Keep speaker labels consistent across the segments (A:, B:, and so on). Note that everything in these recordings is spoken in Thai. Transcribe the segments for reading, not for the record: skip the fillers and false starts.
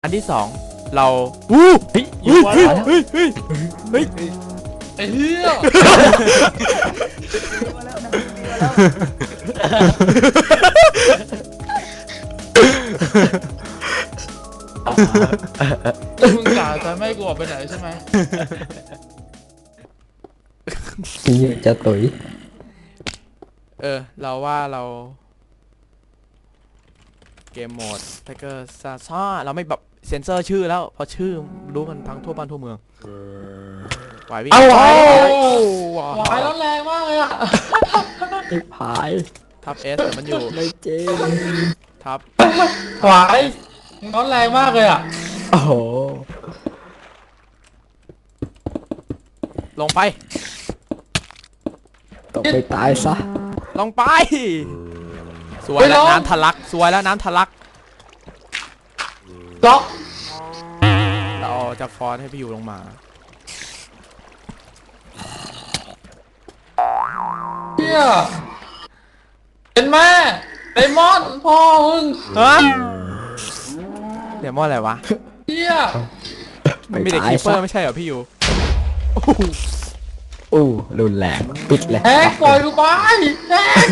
A: นที่สองเราอู้เฮ้ยเฮ้ยเฮ้ยเฮ้ยเฮ้ย
B: ไอ้เหี้ยมึงกล่าวจะไม่ให้กูออกไปไหนใช่ไหม
C: พี่จะตุ๋ย
A: เราว่าเราเกมโหมดไทเกอร์ซ่าเราไม่แบบเซ็นเซอร์ชื่อแล้วเพราะชื่อรู้กันทั้งทั่วบ้านทั่วเมืองไหววิ่ง
B: เอาไหว
A: ไหว
B: ร้อนแรงมากเลยอ่ะ
C: ไอ้พาย
A: ทับเอสแต่มันอยู่
C: ไม่เจ๊
A: ทับ
B: ไหวร้อนแรงมากเลยอ่ะ
C: โอ้โห
A: ลงไป
C: ตกไปตายซะ
A: ลงไปสวยแล้วน้ำทะลักสวยแล้วน้ำทะลัก
B: ล็อก
A: เราจะฟอนให้พี่อยู่ลงมา
B: เฮียเป็นแม่ไดมอนด์พ่อมึง
A: ฮะเดี๋ยวมออะไรวะ
B: เฮีย
A: มันมีแต่คีเปอร์ไม่ใช่เหรอพี่อยู่
C: อู้รุนแรงปิดเลย
B: แฮกปล่อยกูไปแฮก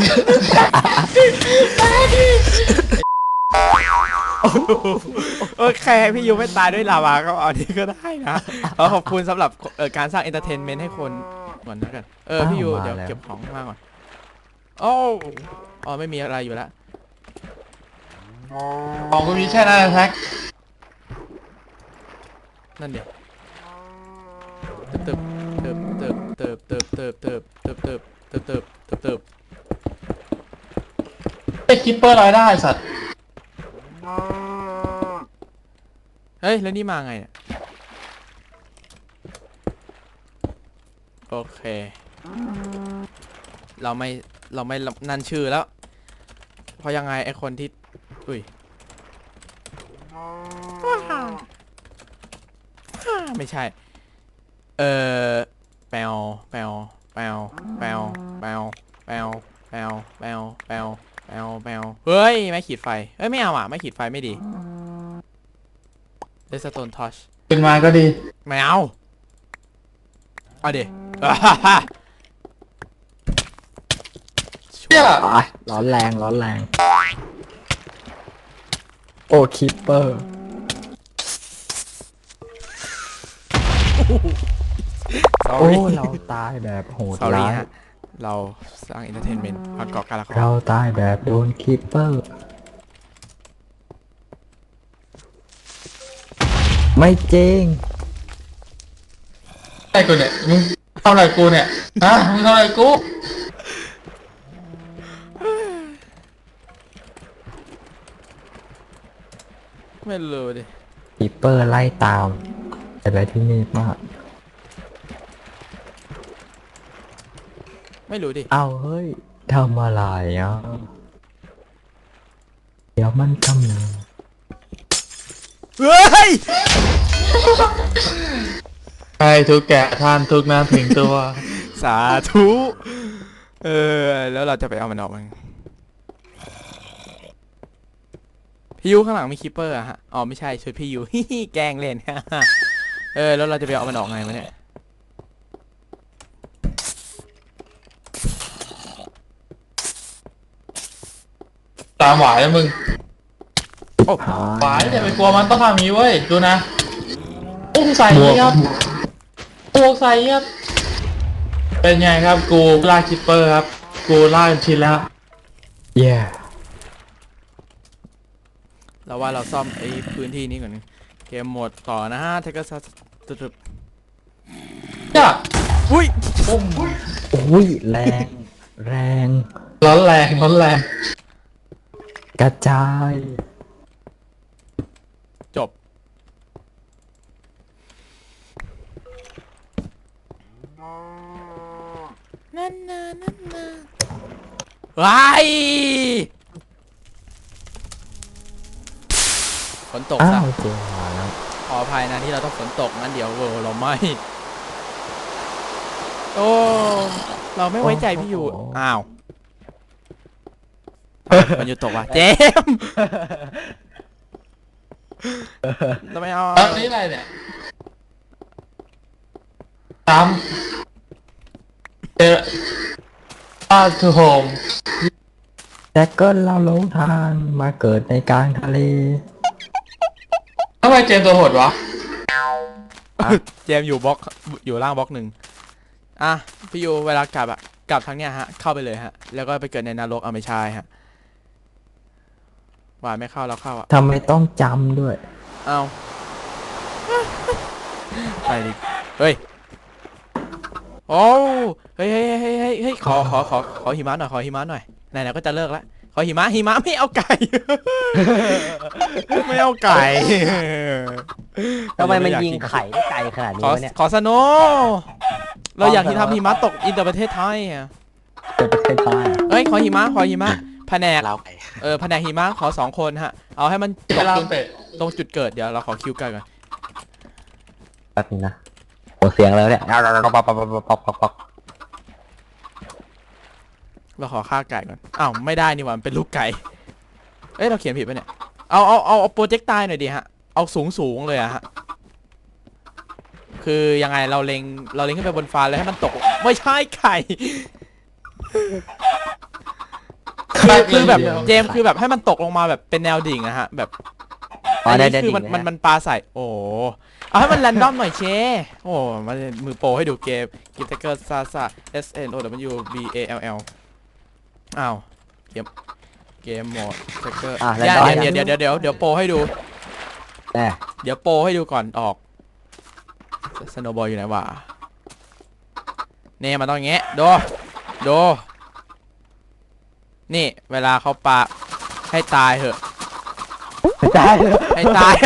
A: แค่พี่ยูไม่ตายด้วยลาวาก็เอานี้ก็ได้นะขอบคุณสำหรับการสร้างเอนเตอร์เทนเมนต์ให้คนก่อนนะกันพี่ยูเดี๋ยวเก็บของข้างล่างก่อนอ๋อไม่มีอะไรอยู่แล้ว
B: ของกูมีแค่นั้นแฮก
A: นั่นเดี๋ยวเติบ
B: ไอ้คิปเปอร์ลอยได้สัตว์
A: เฮ้ยแล้วนี่มาไงเนี่ยโอเคเราไม่นันชื่อแล้วเพราะยังไงไอคนที่อุ้ยไม่ใช่แปลเฮ้ยไม่ขีดไฟไม่เอาอ่ะไม่ขีดไฟไม่ดีเดสโตนทอช
B: เป็นมาก็ดี
A: ไม่เอาเดี๋ยว
B: เฮีย
C: ร้อนแรงโอ้คิปเปอร์โอ้เราตายแบบโหดร้าย
A: เราสร้างเอนเตอร์เทนเมนต์ประกอบการละคร
C: เราตายแบบโดนคิปเปอร์ไม่จริง
B: ไอ้กูเนี่ยมึงทำอะไรกูเนี่ยฮะมึงทำอะไรกู
A: ไม่รู้ดิ
C: คิปเปอร์ไล่ตามอะไรที่นี่มาก
A: ไม่รู้ดิ
C: เอาเฮ้ยทำอะไรอ่ะเดี๋ยวมันทำ
A: เฮ้ย
B: ให้ทุกแกะท่านทุกน้ำถึงตัว
A: สาธุแล้วเราจะไปเอามันออกมั้งพี่ยูข้างหลังมีคิปเปอร์อะฮะอ๋อไม่ใช่ชุดพี่ยูแกล้งเล่นแล้วเราจะไปเอามันออกไงวะเนี่ย
B: ตามหวายแล้วมึงหวายอย่าไปกลัวมันต้องทำอย่างนี้เว้ยดูนะอุ้งใส่ครับอุ้งใส่ครับเป็นไงครับกูล่าคิปเปอร์ครับกูล่าจนชินแล้ว
A: เราว่าเราซ่อมไอ้พื้นที่นี้ก่อนเกมหมดต่อนะฮะเทคก็ตึบ
B: จ้ะ
A: อุ้ย
C: แรง
B: ร้อนแรง
C: กระจาย
A: จบนั่นว้ายฝนตกซะขออภัยนะที่เราต้องฝนตกงั้นเดี๋ยวเราไม่เราไม่ไว้ใจพี่อยู่อ้าวมันอยู่ตกว่ะเจมเราไม่เอา
B: แล้วนี่อะไรเนี่ยตามเจอบ้านทูโฮม
C: แจ็คเกิลเราหลงทางมาเกิดในกลางทะเล
B: ทำไมเจมตัวโหดวะ
A: เจมส์อยู่บล็อกอยู่ล่างบล็อกหนึ่งอ่ะพี่ยูเวลากลับอะกลับทางเนี้ยฮะเข้าไปเลยฮะแล้วก็ไปเกิดในนรกเอาไม่ใช่ฮะหวานไม่เข้าเราเข้าอะ
C: ทำไมต้องจำด้วย
A: เอาไปดิเฮ้ยโอ้เฮ้ยขอหิมะหน่อยขอหิมะหน่อยไหนๆก็จะเลิกแล้วขอหิมะไม่เอาไก่ ไม่เอาไก่
D: ทำไมมันยิงไข่ได้ไกลขนาดนี้วะเนี่ย
A: ขอสโนว์เราอยากที่ทำหิมะตกอินเตอร์ประเทศไทยอ่ะ
C: เป็นประเทศไทย
A: เอ้ยขอหิมะแผนก
D: เราไก่
A: แผนกหิมะขอ2 คนฮะเอาให้มันต
B: เว
A: ก
B: ลา
A: ตรง
B: เตะ
A: ตรงจุดเกิดเดี๋ยวเราขอคิวกันก่อน
C: แป๊บนึงนะโอ้เสียงแล้วเนี่ย
A: เราขอฆ่าไก่ก่อนอ้าวไม่ได้นี่หว่ามันเป็นลูกไก่เอ้ยเราเขียนผิดปะเนี่ยเอาโปรเจกต์ตายหน่อยดิฮะเอาสูงเลยอะฮะคือยังไงเราเล็งขึ้นไปบนฟ้าแล้วให้มันตกไม่ใช่ไข่คือแบบเจมส์คือแบบให้มันตกลงมาแบบเป็นแนวดิ่งอะฮะแบบอันนี้คือมันปลาใส่โอ้เอาให้มันแรนดอมหน่อยเชโอ้มามือโปรให้ดูเกมกิฟต์เกอร์ซาซา S N O W B A L L อ้าวเกมโหมดเทคเกอร์เดี๋ยวโปรให้ดู เดี๋ยวโปรให้ดูก่อนออกสโนว์บอลอยู่ไหนวะเนี่ยมันต้องอย่างเงี้ยดูนี่เวลาเขาปาให้ตายเหอะ ให้ตาย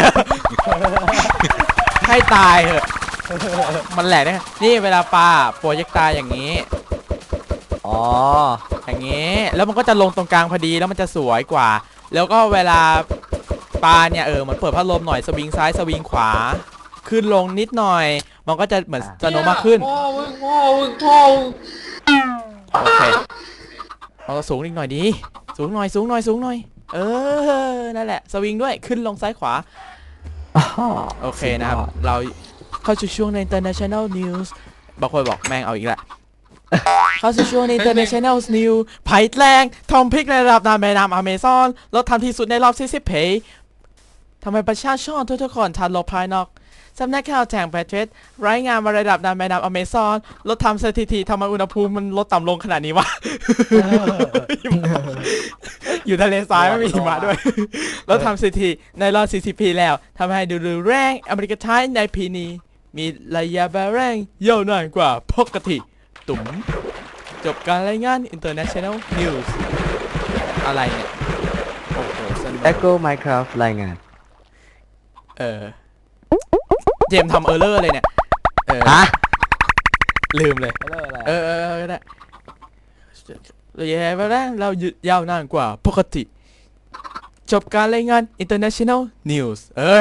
A: ให้ตายเหอะมันแหลกนะนี่เวลาปาโปรเจกต์ตายอย่างนี้
D: อ๋อ
A: อย่างนี้แล้วมันก็จะลงตรงกลางพอดีแล้วมันจะสวยกว่า แล้วก็เวลาปลาเนี่ยเหมือนเปิดพัดลมหน่อยสวิงซ้ายสวิงขวาขึ้นลงนิดหน่อยมันก็จะเหมือนสโนว์มากขึ้น
B: พ่อมึง
A: โอเคเอาสูงอีกหน่อยดีสูงหน่อยนั่นแหละสวิงด้วยขึ้นลงซ้ายขวาโอเคนะครับเราเข้าสู่ช่วงใน International News บางคนบอกแม่งเอาอีกละเข้าสู่ช่วงใน International News ภัยแรงทอมพริกในระดับน้ำแม่น้ำอเมซอนลดทำที่สุดในรอบ40 ปีทำไมประชาชนทุกคนทันลบภายนอกสำนักข่าวแห่งประเทศรายงานว่าระดับน้ำแม่น้ำอเมซอนลดทำสถิติทำไมอุณหภูมิมันลดต่ำลงขนาดนี้วะ อยู่ทะเลทรายไม่มีหิมะด้วย แล้วทำสถิติในรอบ40 ปีแล้วทำให้ดูแรงอเมริกาไทยในปีนี้มีระยะเวลาแรงยาวนานกว่าปกติตุ๋มจบการรายงาน International News อะไรเนี่ยโอ้โหสนุก
D: Echo Minecraft รายงาน
A: เจมส์ทำเออร์เลอร์เลยเนี่ยลืมเลยก็ได้ระยะเวลาเรายาวนานกว่าปกติจบการรายงาน International News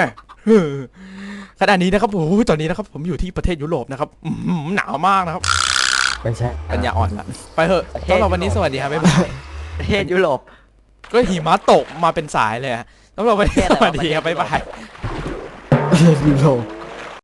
A: ขณะนี้นะครับโอ้โหตอนนี้นะครับผมอยู่ที่ประเทศยุโรปนะครับหนาวมากนะครับ
C: ไม่ใช่
A: ปัญญาอ่อนละไปเถอะสำหรับวันนี้สวัสดีครับบ๊ายบาย
D: ประเทศยุโรป
A: ก็หิมะตกมาเป็นสายเลยฮะสำหรับวันนี้สวัสดีครับบ๊ายบาย
C: ยุโรป